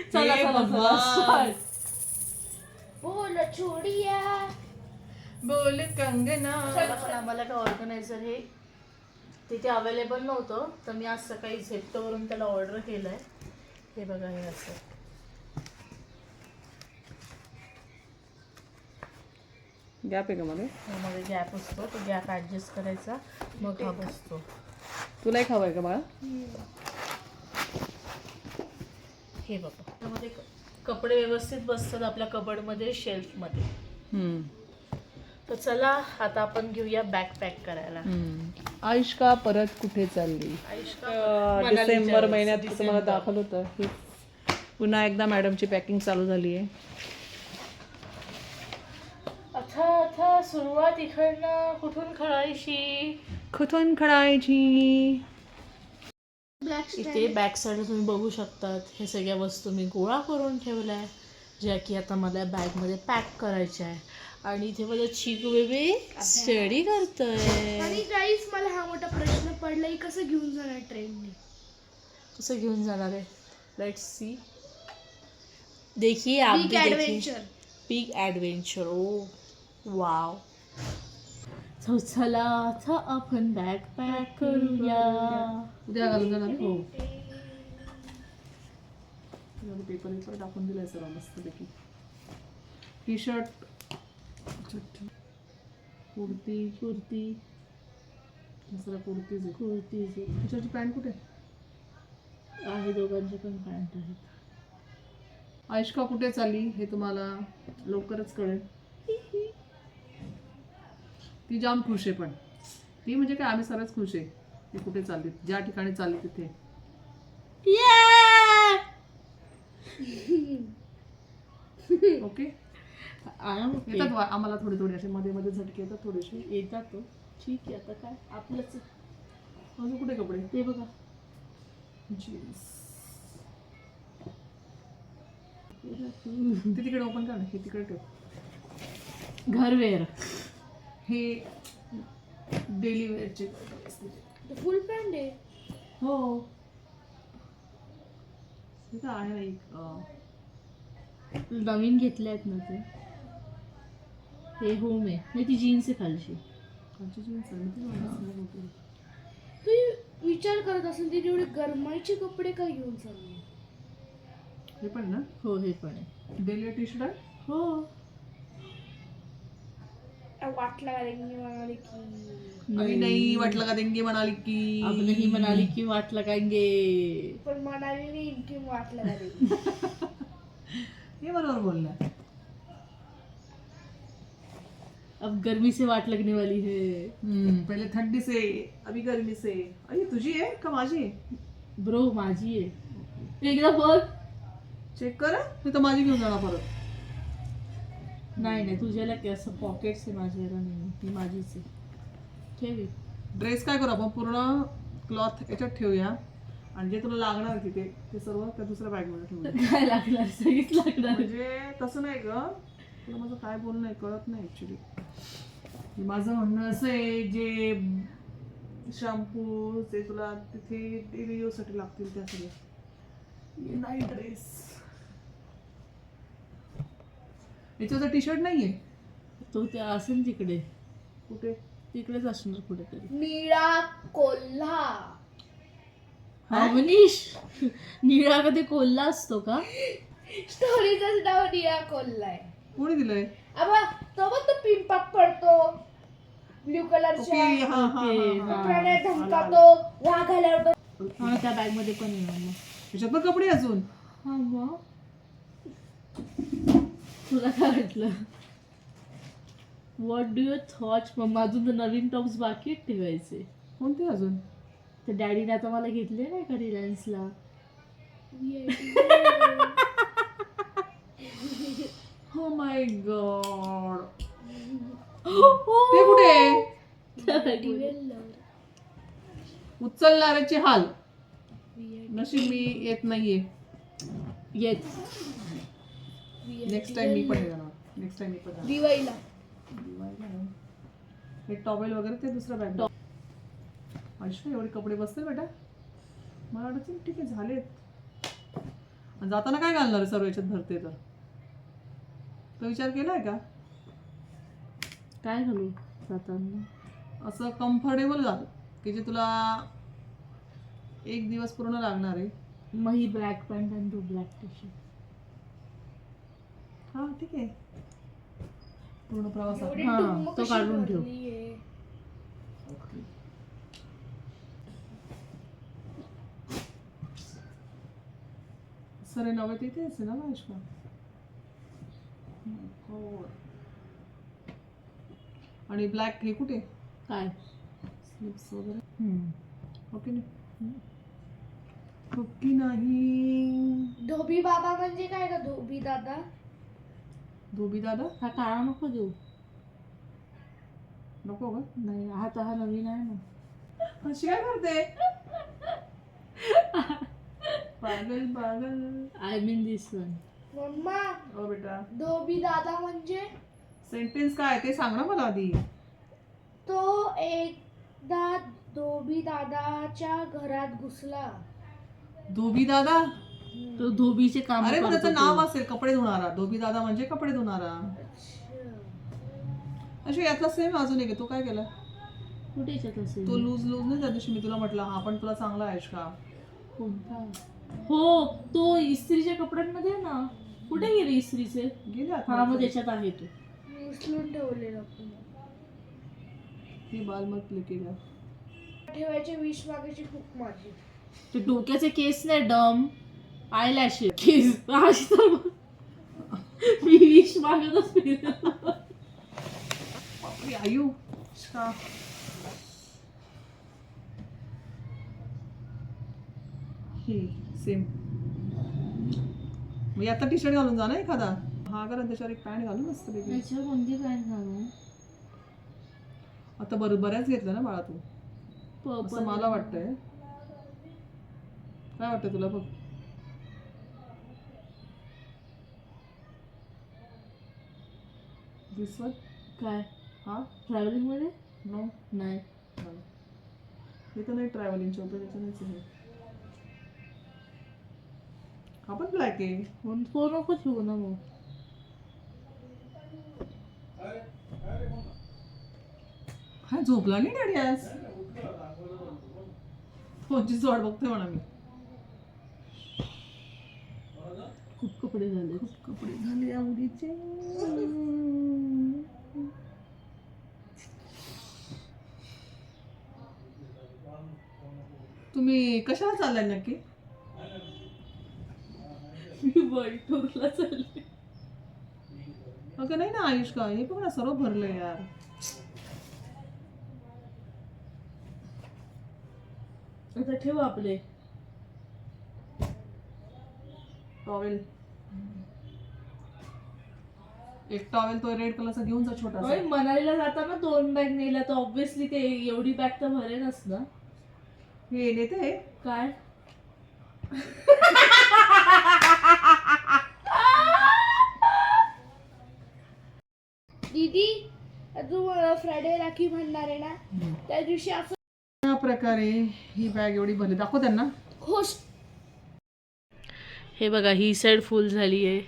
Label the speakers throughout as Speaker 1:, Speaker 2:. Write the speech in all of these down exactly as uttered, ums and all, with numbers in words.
Speaker 1: चला चला चला
Speaker 2: बोल छोडिया
Speaker 1: बोल कंगना.
Speaker 2: पण आम्हाला काय ऑर्गनायझर हे तिथे अवेलेबल नव्हतं, तर मी आज सकाळी झेप्टोवरून त्याला ऑर्डर केलंय. हे बघा, हे असं
Speaker 1: गॅप आहे का मध्ये?
Speaker 2: मध्ये गॅप असतो, तो गॅप ऍडजस्ट करायचा, मग हा बसतो.
Speaker 1: तुला एक हवंय का बाळा?
Speaker 2: हे बघा, त्यामध्ये कपडे व्यवस्थित बसतात आपल्या कबडमध्ये, शेल्फमध्ये. तर चला आता आपण घेऊया बॅग पॅक करायला.
Speaker 1: आयुष्का परत कुठे चालली?
Speaker 2: आयुष्का
Speaker 1: डिसेंबर महिन्यात तुम्हाला दाखवलं होतं की पुन्हा एकदा मॅडमची पॅकिंग चालू झाली आहे.
Speaker 2: आता आता सुरुवात इकडनं कुठून करायची?
Speaker 1: कुठून करायची?
Speaker 2: इथे बॅक साईड तुम्ही बघू शकतात, हे सगळ्या वस्तू मी गोळा करून ठेवल्या आहे, ज्या की आता मला बॅगमध्ये पॅक करायच्या आहे. आणि इथे माझं चिकू बेबी स्टडी करतोय.
Speaker 3: आणि गाईस, मला हा मोठा प्रश्न पडला, की कसं घेऊन जाणार ट्रेनने?
Speaker 2: कसं घेऊन जाणार आहे? Let's see. देखिए आप भी देखिए. Big adventure. Oh wow. so, चला आता आपण बॅग पॅक करूया.
Speaker 1: उद्या घालून जाणार. हो, पेपर पेपर टाकून दिलाय सर मस्तपैकी. टी शर्ट, कुर्ती
Speaker 2: कुर्ती
Speaker 1: दुसरा कुर्तीज आहे.
Speaker 2: कुर्तीज
Speaker 1: टी पॅन्ट कुठे
Speaker 2: आहे? दोघांचे पण पॅन्ट आहेत.
Speaker 1: आयुष्का कुठे चालली हे तुम्हाला लवकरच कळेल. ती जाम खुश आहे, पण ती म्हणजे काय, आम्ही सर्वच खुश आहे. ती कुठे चालली, ज्या ठिकाणी चालली तिथे. ओके, येतात आम्हाला थोडे थोडे असे मध्ये मध्ये झटके येतात, थोडेसे
Speaker 2: येतात. तो ठीक आहे, आता काय आपलंच.
Speaker 1: अजून कुठे कपडे?
Speaker 2: ते बघा,
Speaker 1: जीन्स. ते तिकडे ओपन कर ना, हे तिकडे ठेव.
Speaker 2: घरवेअर.
Speaker 1: हे डेली वेअरचे
Speaker 3: फुल पॅन्ट आहे.
Speaker 1: हो, हे काय आहे ना, एक
Speaker 2: नवीन घेतले आहेत ना ते. हे होम आहे, नाही ती जीन्स आहे खालची.
Speaker 1: खालची जीन्स आहे.
Speaker 3: तू विचार करत असेल तिने एवढे गरमाईचे कपडे काय घेऊन चालले?
Speaker 1: हे पण ना?
Speaker 2: हो, हे पण आहे.
Speaker 1: डेली टी शर्ट आहे.
Speaker 2: हो,
Speaker 3: वाटला म्हणाले की
Speaker 1: अभी नहीं वाटलं का देंगे म्हणाली की
Speaker 2: अब नहीं मनाली की वाट लगाएंगे.
Speaker 3: पण म्हणाली नाही की वाटला
Speaker 1: हे बरोबर बोलला.
Speaker 2: अब गर्मी से वाट लगने वाली है.
Speaker 1: पहिले थंडी से, अभी गर्मी से. अरे तुझी आहे का माझी आहे?
Speaker 2: ब्रो माझी आहे. एकदा बघ,
Speaker 1: चेक कर. मी तर माझी घेऊन जाणार परत.
Speaker 2: नाही नाही, तुझ्याला की असं पॉकेट्स आहे, माझ्याला नाही. ती माझीच आहे. ठेवी.
Speaker 1: ड्रेस काय करू आपण, पूर्ण क्लॉथ याच्यात ठेवूया आणि जे तुला लागणार तिथे ते सर्व त्या दुसऱ्या बॅगमध्ये ठेवूया.
Speaker 2: काय लागणार? सगळीच लागणार.
Speaker 1: म्हणजे तसं नाही ग, तुला माझं काय बोलणं आहे कळत नाही ऍक्च्युली. माझं म्हणणं असं आहे, जे शॅम्पू ते तुला तिथे डेली यूजसाठी लागतील त्या सगळे. नाही ड्रेस, याच्यावर टी शर्ट नाहीये.
Speaker 2: तो ते असेल तिकडे,
Speaker 1: कुठे?
Speaker 2: तिकडेच असणार कुठेतरी.
Speaker 3: निळा कोल्हा.
Speaker 2: हा मनीष, निळा कधी कोल्हा असतो का?
Speaker 3: स्टोरीचंच नाव निळा कोल्हा आहे.
Speaker 1: कोणी दिलंय?
Speaker 3: अबा तो बघ, तो पिंपाक पडतो ब्ल्यू कलरच्या,
Speaker 1: ओके, हा हा हा.
Speaker 3: प्राण्यात धमकातो, वाघ आल्यावर तो.
Speaker 2: हा, त्या बॅग मध्ये पण आहे मग.
Speaker 1: त्याच्यात पण कपडे अजून.
Speaker 2: हा मग तुला काय वाटलं? What do your thoughts? मग अजून तर नवीन टॉप्स बाकी आहेत ठेवायचे.
Speaker 1: कोणते अजून?
Speaker 2: तर डॅडीने आता मला घेतले नाही का रिलायन्सला.
Speaker 1: हो माय गॉड. ते कुठे? उचलणाऱ्याचे हाल. नशीब मी येत नाहीये.
Speaker 2: येत.
Speaker 1: नेक्स्ट टाइम मी पण येणार. नेक्स्ट टाइम मी पण येणार.
Speaker 3: दिवाळीला.
Speaker 1: हे टॉवेल वगैरे ते दुसरं बॅग. आयुष्य एवढे कपडे बसतील बेटा? मला वाटतं ठीक आहे झालेत. आणि जाताना काय घालणार आहे सर्व याच्यात भरते तर तो विचार केलाय का?
Speaker 2: काय घालू जाताना?
Speaker 1: असं कम्फर्टेबल घाल की जे तुला एक दिवस पूर्ण लागणार आहे.
Speaker 2: मग ही ब्लॅक पॅन्ट आणि तू ब्लॅक टी शर्ट.
Speaker 1: हा ठीक आहे पूर्ण प्रवासात.
Speaker 3: एवढी
Speaker 2: हा,
Speaker 3: डुम्म
Speaker 2: तो
Speaker 3: कशी
Speaker 2: काढून ठेव.
Speaker 3: भरलीये.
Speaker 1: सर नवे तिथे असेल ना महेश का? हो. आणि ब्लॅक हे कुठे
Speaker 2: काय?
Speaker 1: स्लीव्स वगैरे
Speaker 2: हम्म.
Speaker 1: ओके नाही ओके नाही.
Speaker 3: धोबी बाबा म्हणजे काय का धोबी दादा?
Speaker 1: धोबी दादा
Speaker 2: हा काळा नको देऊ.
Speaker 1: नको का?
Speaker 2: नाही हा तर हा नवीन आहे ना.
Speaker 1: अशी काय करते? पागल पागल.
Speaker 2: I mean this one.
Speaker 3: Mamma
Speaker 1: ओ बेटा
Speaker 3: धोबी दादा म्हणजे?
Speaker 1: सेंटेन्स काय ते सांग ना मला आधी.
Speaker 3: तो एकदा धोबी दादाच्या घरात घुसला.
Speaker 1: धोबी दादा
Speaker 2: तो धोबीचे काम
Speaker 1: अरे मग
Speaker 2: करतो
Speaker 1: त्याचं
Speaker 2: तो.
Speaker 1: नाव असेल कपडे धुणारा. धोबी दादा म्हणजे कपडे धुणारा. अशी यातला सेम अजून एक आहे. तो काय केला?
Speaker 2: कुठे याच्यात असेल?
Speaker 1: तो लूज लूज नाही त्या दिवशी मी तुला म्हटलं हा पण तुला चांगला आहेस का?
Speaker 2: कोणता? हो तो इस्त्रीच्या कपड्यांमध्ये आहे ना. कुठे गेले इस्त्रीचे?
Speaker 1: गेले
Speaker 2: हा मग
Speaker 1: आता
Speaker 2: त्याच्यात आहे तो.
Speaker 3: मी उचलून ठेवलेलं पुन्हा.
Speaker 1: ही बाल मत केला.
Speaker 3: ठेवायचे विष मागायची खूप माझी.
Speaker 2: ते डोक्याचे केस नाही डम आय लॅश केस अशी तर मग. मी विष मागतच फिरत.
Speaker 1: बापरे आयु का ही सेम. मी आता टी शर्ट घालून जा ना एखादा. हा करा त्याच्यावर एक पॅन्ट घालून मस्त पैकी.
Speaker 2: त्याच्यावर कोणती पॅन्ट घालू?
Speaker 1: आता बरं बऱ्याच घेतलं ना बाळा तू.
Speaker 2: प-
Speaker 1: असं मला वाटतंय. काय वाटतं तुला बघ. दिस वन
Speaker 2: काय
Speaker 1: हा
Speaker 2: ट्रॅव्हलिंग मध्ये?
Speaker 1: नो
Speaker 2: नाही.
Speaker 1: हे तर नाही ट्रॅव्हलिंगच्या होतं त्याच्यानेच आहे. हा पण ब्लॅक आहे.
Speaker 2: म्हणून तो नको ठेवू ना मग.
Speaker 1: हा झोपला नाही डॅडी आज. फोनचीच वाट बघतोय म्हणा मी.
Speaker 2: खूप कपडे झाले.
Speaker 1: खूप कपडे झाले आवडीचे. तुम्ही कशाला चाललाय नक्की?
Speaker 2: मी वर्ल्ड टूरला चालले.
Speaker 1: अगं नाही ना आयुष का हे बघ ना सर्व भरलंय यार.
Speaker 2: आता ठेव आपले
Speaker 1: टॉवेल. एक टॉवेल तो रेड कलरचा घेऊन जा छोटा.
Speaker 2: होय, मनालीला जाताना दोन बॅग नेल्या तर ऑब्विसली ते एवढी बॅग तर भरेनच ना.
Speaker 1: हे नेते
Speaker 2: काय
Speaker 3: दीदी तू फ्रायडे राखी म्हणणार आहे ना त्या दिवशी असं
Speaker 1: अशा प्रकारे ही बॅग एवढी भरली. दाखव त्यांना.
Speaker 3: खुश.
Speaker 2: हे बघा ही साइड फुल झाली आहे.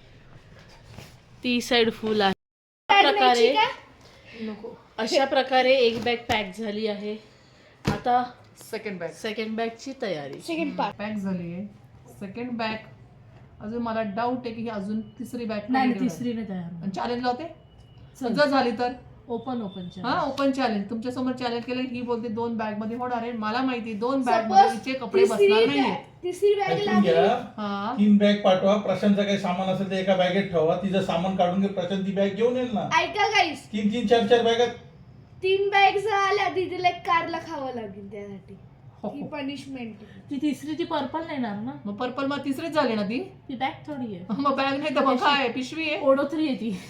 Speaker 2: ती साइड फुल आहे. अशा प्रकारे नको अशा प्रकारे एक बॅग पॅक झाली आहे. आता
Speaker 1: सेकंड बॅग
Speaker 2: सेकंड बॅगची तयारी.
Speaker 3: Second part.
Speaker 1: बॅग झाली आहे. सेकंड बॅग अजून मला डाऊट आहे की ही अजून तिसरी बॅग
Speaker 2: नाही तिसरीने तयार.
Speaker 1: चॅलेंज लावते जर झाली तर.
Speaker 2: ओपन ओपन
Speaker 1: हा ओपन चॅलेंज तुमच्या समोर चॅलेंज केलं. ही बोलते दोन बॅग मध्ये होणार आहे. मला माहिती दोन बॅग
Speaker 3: Suppose
Speaker 1: मध्ये कपडे बसणार नाहीये.
Speaker 3: तिसरी बॅग
Speaker 4: ऐकून
Speaker 3: लागली.
Speaker 4: घ्या.
Speaker 1: हा
Speaker 4: तीन बॅग पाठवा. प्रशांतचं काही सामान असेल ते एका बॅगेत ठेवा. तिचं सामान काढून घे. प्रशांत ती बॅग घेऊन येईल ना.
Speaker 3: ऐका गाईस
Speaker 4: तीन तीन चार चार बॅगात.
Speaker 3: तीन बॅग आल्या दीदीला एक कारला खावं लागेल त्यासाठी.
Speaker 1: हो,
Speaker 3: ही
Speaker 1: हो.
Speaker 3: पनिशमेंट.
Speaker 2: ती तिसरी ती पर्पल नेणार ना.
Speaker 1: मग पर्पल मग तिसरीच झाली ना ती.
Speaker 2: ती बॅग थोडी आहे.
Speaker 1: मग बॅग नाही तर मग काय पिशवी आहे.
Speaker 2: ओढोतरी आहे ती.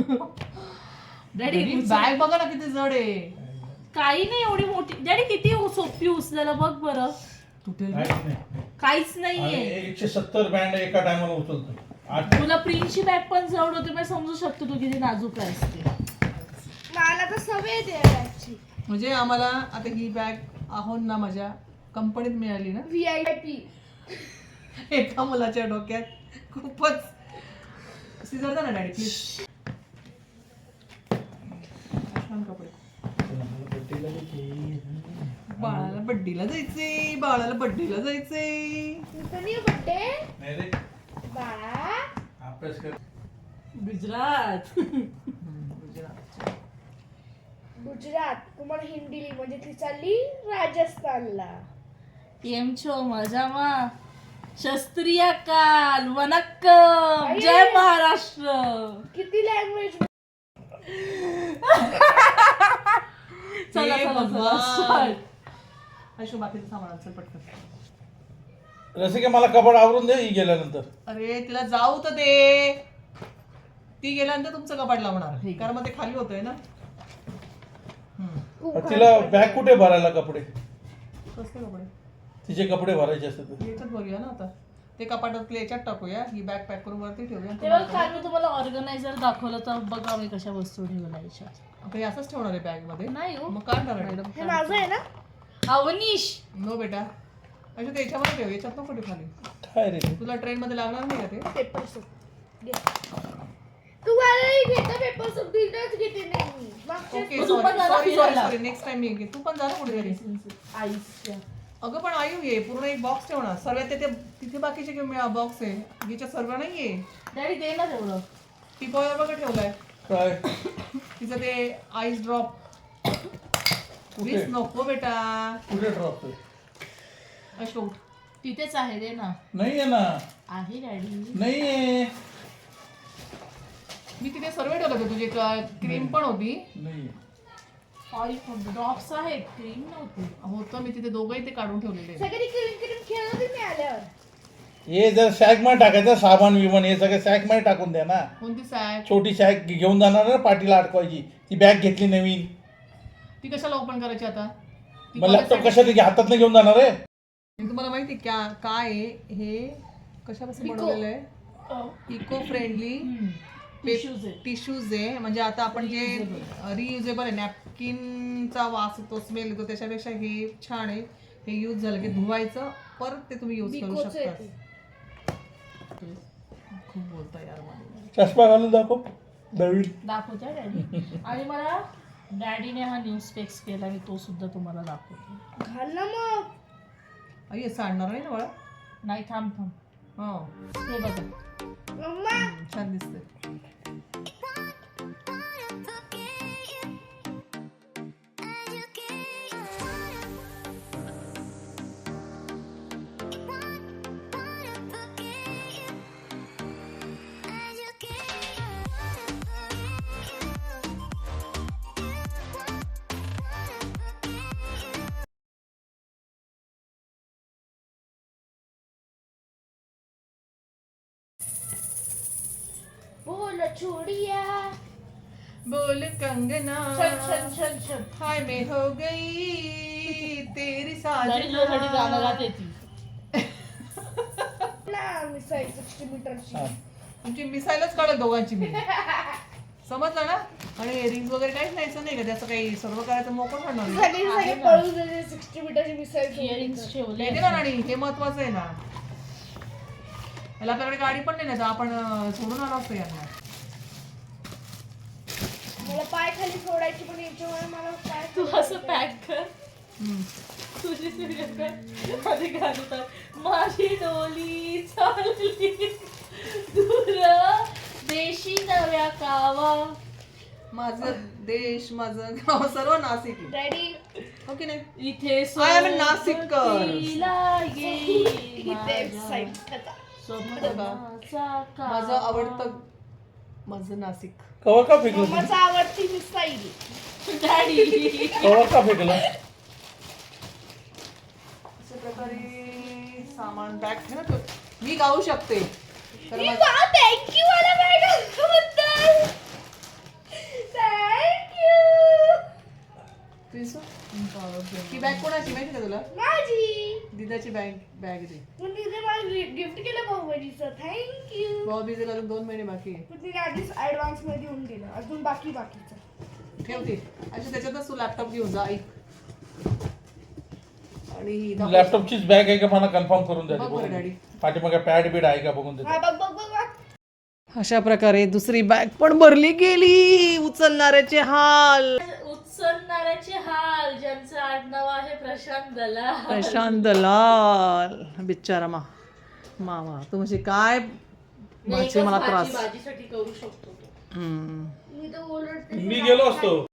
Speaker 2: डॅडी
Speaker 1: बॅग बघा ना किती जड आहे.
Speaker 2: काही नाही एवढी मोठी. डॅडी किती सोपी उचलायला बघ बरं.
Speaker 1: तुटेल
Speaker 4: काहीच नाही.
Speaker 2: काहीच
Speaker 4: आणि
Speaker 2: नाहीये.
Speaker 4: एकशे सत्तर बँड एका टायमाला उचलतो. आठ
Speaker 2: तुला प्रिन्सची बॅग पण जवळ होती. मी समजू शकतो तू किती नाजूक आहेस ते.
Speaker 3: मला तर सवय आहे त्या बॅगची.
Speaker 1: म्हणजे आम्हाला आता ही बॅग आहोत ना माझ्या कंपनीत मिळाली ना.
Speaker 3: V I P.
Speaker 1: एका मुलाच्या डोक्यात खूपच सिजर जा ना डॅडी प्लीज. छान कपडे. बाळाला बड्डीला जायचे बाळाला बड्डीला जायचे.
Speaker 3: कधी बड्डे
Speaker 4: नाही रे,
Speaker 3: बाळा?
Speaker 4: अभ्यास कर.
Speaker 2: गुजरात.
Speaker 3: गुजरात तुम्हाला हिंदी म्हणजे ती चालली राजस्थानला.
Speaker 2: केम छो मजामा. शस्त्रीय काल वनक्कम. जय महाराष्ट्र.
Speaker 3: किती लँग्वेज?
Speaker 2: चला
Speaker 1: हे
Speaker 2: चला
Speaker 1: भगवान.
Speaker 2: चला.
Speaker 1: अशो बाकीचं सामान चल पटकन.
Speaker 4: रसिका मला कपाट आवरून दे ही गेल्यानंतर.
Speaker 1: अरे तिला जाऊ तर दे. ती गेल्यानंतर तुमचं कपाट लावणार
Speaker 2: ठीक आहे.
Speaker 1: कारण मग ते खाली होतंय ना. हम्म.
Speaker 4: तिला बॅग कुठे भरायला कपडे?
Speaker 1: कसले कपडे?
Speaker 4: तिचे कपडे भरायचे असतात.
Speaker 1: याच्यात भरूया ना आता. ते कपाटातले याच्यात टाकूया. ही बॅग पॅक करून वरती ठेवूया.
Speaker 2: तेव्हा काल मी तुम्हाला ऑर्गनायझर दाखवलं तर बघा मी कशा वस्तू ठेवल्या याच्यात.
Speaker 1: आता हे असंच ठेवणार आहे बॅग मध्ये.
Speaker 2: नाही हो.
Speaker 1: मग काय करणार मॅडम?
Speaker 3: हे माझं आहे ना?
Speaker 2: अवनीश.
Speaker 1: नो बेटा. अच्छा ते याच्यामध्ये ठेव. याच्यात नको ठेव खाली.
Speaker 4: काय रे
Speaker 1: तुला ट्रेन मध्ये लागणार नाही का ते?
Speaker 3: पेपर सूप घे. तू मलाही घेता पेपर सूप दिलंच घेते नाही मी. मागच्या
Speaker 1: ओके
Speaker 2: तू
Speaker 1: सॉरी
Speaker 2: पण जा ना
Speaker 1: सॉरी सॉरी
Speaker 2: फिरायला.
Speaker 1: सॉरी नेक्स्ट टाइम मी घे. तू पण जा ना कुठे तरी.
Speaker 2: आईसच्या.
Speaker 1: अगं पण आयु ये पूर्ण एक बॉक्स ठेवणार. सर्व तिथे तिथे बाकीचे घेऊन बॉक्स आहे. हिच्या सर्व नाहीये.
Speaker 2: डॅडी दे ना तेवढं.
Speaker 1: टी पॉवर बघा ठेवलाय.
Speaker 4: काय
Speaker 1: तिचं ते आईस ड्रॉप. प्लीज नको बेटा.
Speaker 4: कुठे ड्रॉप?
Speaker 1: अशोक
Speaker 2: तिथेच आहे दे ना.
Speaker 4: नाहीये ना.
Speaker 2: आहे डॅडी.
Speaker 4: नाहीये.
Speaker 1: मी तिथे सर्व ठेवलं होतं. तुझी क्रीम पण होती.
Speaker 4: नाही.
Speaker 2: ऑइल ड्रॉप्स आहेत क्रीम नव्हती.
Speaker 1: होतं मी तिथे दोघंही ते काढून ठेवलेले.
Speaker 3: सगळी क्रीम क्रीम खेळत होती मी आल्यावर.
Speaker 4: हे जर सॅक मध्ये टाकायचं सामान विमान हे सगळं सॅक मध्ये टाकून द्या ना.
Speaker 1: कोणती सॅक?
Speaker 4: छोटी सॅक घेऊन जाणार ना पाठीला अडकवायची. ती बॅग घेतली नवीन.
Speaker 1: ती कशाला ओपन करायची आता? ती
Speaker 4: मग लॅपटॉप
Speaker 1: college
Speaker 4: कशाला हातात घेऊन जाणार आहे?
Speaker 1: साठी- तुम्हाला माहिती क्या काय आहे हे कशापासून
Speaker 3: Eco.
Speaker 1: बनवलेलं आहे? इको फ्रेंडली
Speaker 2: टिश्यूज आहेत.
Speaker 1: टिश्यूज आहे. म्हणजे आता आपण जे रियुजेबल आहे नॅपकिनचा वास येतो स्मेल येतो त्याच्यापेक्षा हे छान आहे. हे यूज झालं की धुवायचं परत ते तुम्ही यूज करू
Speaker 3: बिकोचं
Speaker 1: शकता.
Speaker 3: येते.
Speaker 1: खूप बोलता यार मला.
Speaker 4: चष्मा घालून दाखव नवीन.
Speaker 2: दाखवते डॅडी. आणि मला डॅडीने हा न्यूज स्पेक्स केला मी तो सुद्धा तुम्हाला दाखवते.
Speaker 3: घाल ना मग.
Speaker 1: आई असं आणणार नाही ना बाळा?
Speaker 2: नाही थांब थांब.
Speaker 1: हो
Speaker 2: हे बघा.
Speaker 3: मम्मा
Speaker 1: छान दिसतंय.
Speaker 3: बोल छोड़िया.
Speaker 1: बोल कंगना
Speaker 2: छन छन छन छन.
Speaker 1: हाय मैं हो गई तेरी
Speaker 2: डॅडी तुझ्यासाठी गाणं
Speaker 1: साजना.
Speaker 2: गाते ती.
Speaker 3: ना मिसाईल सिक्स्टी मीटरची.
Speaker 4: हा.
Speaker 1: तुमची मिसाईलच काढत दोघांची मी. समजलं ना? आणि रिंग वगैरे काहीच न्यायचं नाही का? त्याचं काही सर्व करायचं मोकळं करणार नाही.
Speaker 3: सगळे सगळे पळून गेले सिक्स्टी मीटरची मिसाईल.
Speaker 2: इयरिंग्स ठेवले.
Speaker 1: येते ना राणी हे महत्वाचं आहे ना. याला आपल्याकडे गाडी पण नाही ना तर आपण अं, सोडून आलो असतो यांना.
Speaker 3: मला पाय खाली सोडायची पण याच्यामुळे मला पाय
Speaker 2: तू
Speaker 3: खाली
Speaker 2: असं पॅक कर.
Speaker 1: हम्म.
Speaker 2: तुझी तुझ्या काय आधी घालतात. माझी डोली चालली दूर देशी नव्या कावा.
Speaker 1: माझं देश माझं गाव सर्व नाशिक आहे.
Speaker 3: डॅडी
Speaker 1: हो की नाही?
Speaker 2: इथे
Speaker 1: I am a नाशिककर.
Speaker 2: सोबतीला येई
Speaker 3: इथे
Speaker 2: माझ्या
Speaker 3: साईड त्याचा.
Speaker 2: स्वप्नाचा कावा.
Speaker 1: माझं आवडतं माझं नाशिक.
Speaker 4: कवर का फेकलं तुम्ही?
Speaker 3: मम्माचा आवडती मिसाईल.
Speaker 2: डॅडी.
Speaker 4: कवर का फेकलं?
Speaker 1: अशा प्रकारे सामान बॅग आहे ना तो मी गाऊ शकते. तर
Speaker 3: मी
Speaker 1: माझं-
Speaker 3: वा थँक्यू मला मॅडम. थँक्यू.
Speaker 1: प्रिन्सू? ही बॅग कोणाची माहिती का तुला?
Speaker 3: माझी.
Speaker 1: दिदाची बॅग बॅग ती.
Speaker 3: पण तिथे मला गिफ्ट केलं भाऊबीजीचं. थँक्यू.
Speaker 1: भाऊ बिजेला अजून दोन महिने बाकी आहे.
Speaker 3: पण तिने आधीच ऍडव्हान्स मध्ये येऊन दिलं. अजून बाकी बाकीचं.
Speaker 1: ठेवते अच्छा त्याच्यातच तू लॅपटॉप घेऊन जा. ऐक आणि ही दाखव.
Speaker 4: लॅपटॉपचीच बॅग आहे का मला कन्फर्म करून द्या
Speaker 1: बघ बरं डॅडी.
Speaker 4: पाठीमागे पॅड बीड आहे का बघून द्या
Speaker 3: हा, बघ बघ बघ बघ.
Speaker 1: अशा प्रकारे दुसरी बॅग पण भरली गेली. उचलणाऱ्याचे हाल.
Speaker 2: उचलणाऱ्याचे हाल. ज्यांचं आडनाव आहे प्रशांत दलाल.
Speaker 1: प्रशांत दलाल बिचारा मा मामा तू म्हणजे काय भाजी मला त्रास.
Speaker 2: भाजीसाठी करू शकतो.
Speaker 1: हम्म.
Speaker 3: मी तर ओरडते.
Speaker 4: मी गेलो असतो